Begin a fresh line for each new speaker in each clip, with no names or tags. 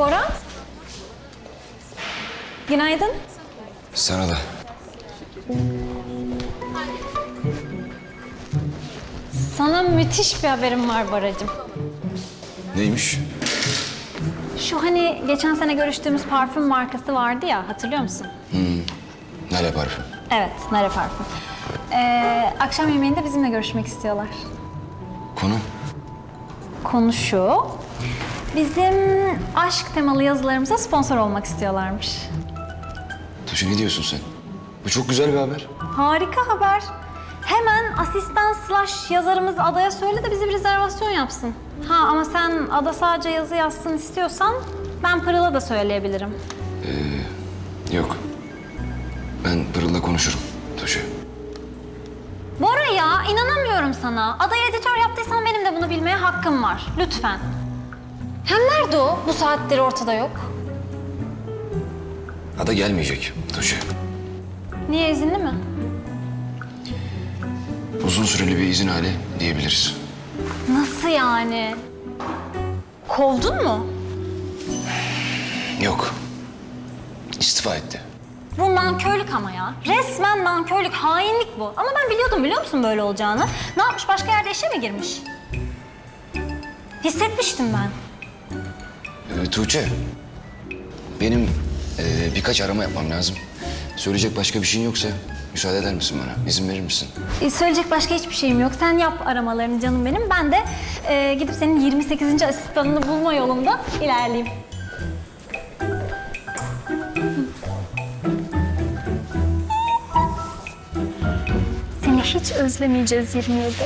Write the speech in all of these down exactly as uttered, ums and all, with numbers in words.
Bora. Günaydın.
Sana da.
Sana müthiş bir haberim var Boracığım.
Neymiş?
Şu hani geçen sene görüştüğümüz parfüm markası vardı ya, hatırlıyor musun?
Nale parfüm.
Evet, Nare Parfüm. Ee, akşam yemeğinde bizimle görüşmek istiyorlar.
Konu?
Konu şu, bizim aşk temalı yazılarımıza sponsor olmak istiyorlarmış.
Tuğçe ne diyorsun sen? Bu çok güzel bir haber.
Harika haber. Hemen asistan slash yazarımız Ada'ya söyle de bize bir rezervasyon yapsın. Ha ama sen Ada sadece yazı yazsın istiyorsan ben Pırıl'a da söyleyebilirim.
Yok. Ben Pırıl'la konuşurum Tuğçe.
Bora ya, inanamıyorum sana. Ada'yı editör yaptıysan benim de bunu bilmeye hakkım var. Lütfen. Hem nerede o? Bu saattir ortada yok.
Ada gelmeyecek Tuğçe.
Niye, izinli mi?
Uzun süreli bir izin hali diyebiliriz.
Nasıl yani? Kovdun mu?
Yok. İstifa etti.
Bu nankörlük ama ya. Resmen nankörlük, hainlik bu. Ama ben biliyordum, biliyor musun böyle olacağını? Ne yapmış, başka yerde işe mi girmiş? Hissetmiştim ben.
Ee, Tuğçe. Benim e, birkaç arama yapmam lazım. Söyleyecek başka bir şeyin yoksa müsaade eder misin bana? İzin verir misin?
E, söyleyecek başka hiçbir şeyim yok. Sen yap aramalarını canım benim. Ben de e, gidip senin yirmi sekizinci asistanını bulma yolunda ilerleyeyim. Seni hiç özlemeyeceğiz yirmi yedi.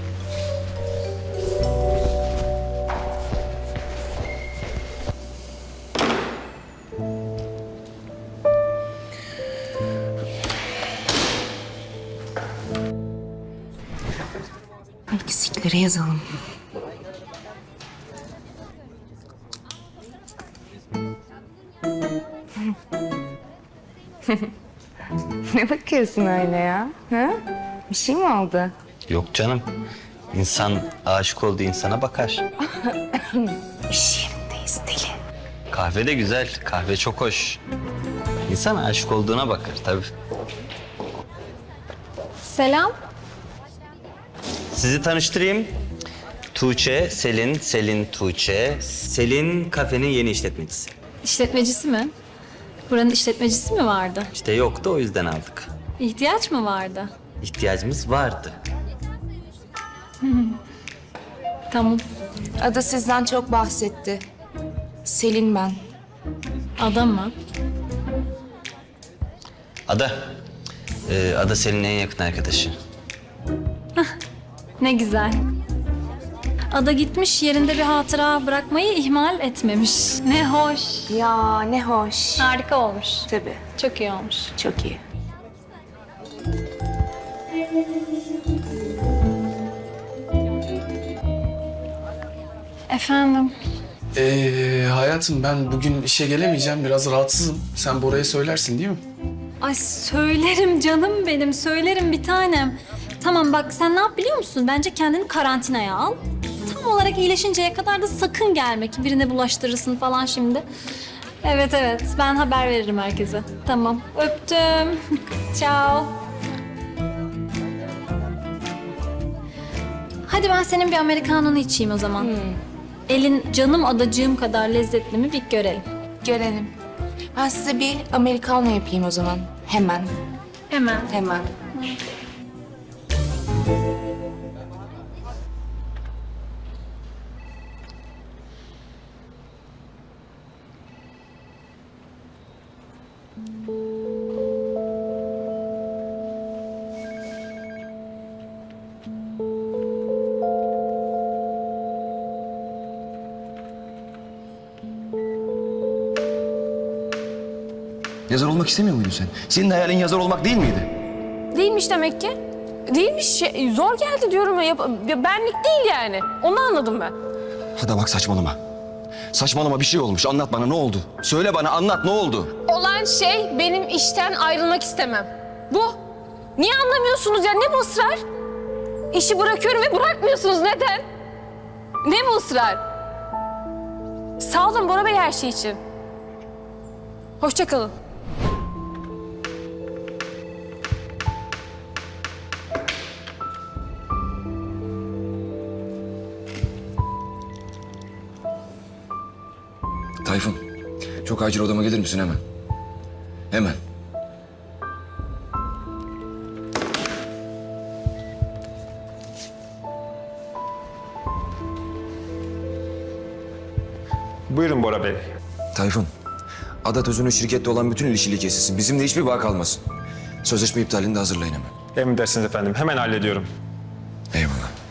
Eksikleri yazalım. Ne bakıyorsun öyle ya? Ha? Bir şey mi oldu?
Yok canım. İnsan aşık olduğu insana bakar.
İş yerindeyiz deli.
Kahve de güzel. Kahve çok hoş. İnsan aşık olduğuna bakar tabii.
Selam.
Sizi tanıştırayım. Tuğçe, Selin, Selin, Tuğçe. Selin kafenin yeni işletmecisi.
İşletmecisi mi? Buranın işletmecisi mi vardı?
İşte yoktu, o yüzden aldık.
İhtiyaç mı vardı?
İhtiyacımız vardı.
Tamam.
Ada sizden çok bahsetti. Selin ben.
Adam mı?
Ada. Ee, Ada Selin'in en yakın arkadaşı.
Ne güzel. Ada gitmiş, yerinde bir hatıra bırakmayı ihmal etmemiş. Ne hoş.
Ya ne hoş.
Harika olmuş.
Tabii.
Çok iyi olmuş.
Çok iyi.
Efendim?
Ee, hayatım ben bugün işe gelemeyeceğim. Biraz rahatsızım. Sen Bora'ya söylersin değil mi?
Ay söylerim canım benim, söylerim bir tanem. Tamam bak, sen ne yap biliyor musun? Bence kendini karantinaya al. Tam olarak iyileşinceye kadar da sakın gelme ki birine bulaştırırsın falan şimdi. Evet evet, ben haber veririm herkese. Tamam, öptüm. Ciao. Hadi ben senin bir Amerikanını içeyim o zaman. Elin canım adacığım kadar lezzetli mi bir görelim.
Görelim. Ben size bir Americano yapayım o zaman. Hemen.
Hemen.
Hemen.
Yazar olmak istemiyor muydun sen? Senin hayalin yazar olmak değil miydi?
Değilmiş demek ki. Değilmiş. Şey, zor geldi diyorum ya. Yap- ya benlik değil yani. Onu anladım ben.
Hadi bak saçmalama. Saçmalama, bir şey olmuş. Anlat bana, ne oldu? Söyle bana, anlat, ne oldu?
Olan şey benim işten ayrılmak istemem. Bu. Niye anlamıyorsunuz ya? Ne bu ısrar? İşi bırakıyorum ve bırakmıyorsunuz. Neden? Ne bu ısrar? Sağ olun Bora Bey her şey için. Hoşça kalın.
Tayfun, çok acil odama gelir misin hemen? Hemen.
Buyurun Bora Bey.
Tayfun, Adat Özün'ün şirkette olan bütün ilişkili kesilsin. Bizimle hiçbir bağ kalmasın. Sözleşme iptalini de hazırlayın hemen.
Emredersiniz efendim. Hemen hallediyorum.
Eyvallah.